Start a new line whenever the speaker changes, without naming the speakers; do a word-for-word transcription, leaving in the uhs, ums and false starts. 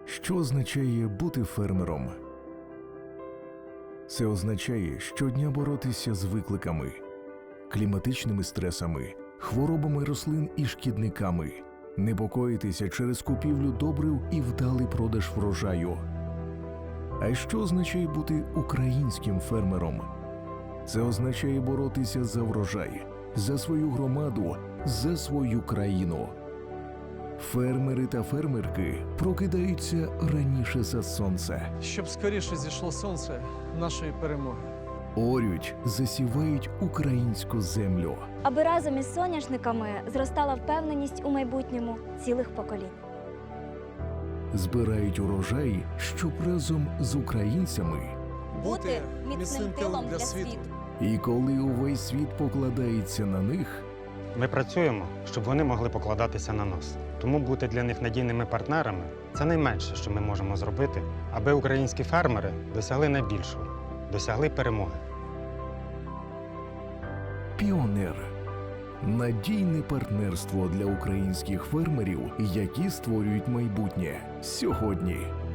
Що означає бути фермером? Це означає щодня боротися з викликами, кліматичними стресами, хворобами рослин і шкідниками, непокоїтися через купівлю добрив і вдалий продаж врожаю. А що означає бути українським фермером? Це означає боротися за врожай, за свою громаду, за свою країну. Фермери та фермерки прокидаються раніше за сонце.
Щоб скоріше зійшло сонце нашої перемоги.
Орють, засівають українську землю.
Аби разом із соняшниками зростала впевненість у майбутньому цілих поколінь.
Збирають урожай, щоб разом з українцями.
Бути міцним тилом для світу.
І коли увесь світ покладається на них,
Ми працюємо, щоб вони могли покладатися на нас. Тому бути для них надійними партнерами – це найменше, що ми можемо зробити, аби українські фермери досягли найбільшого – досягли перемоги.
Піонер – надійне партнерство для українських фермерів, які створюють майбутнє сьогодні.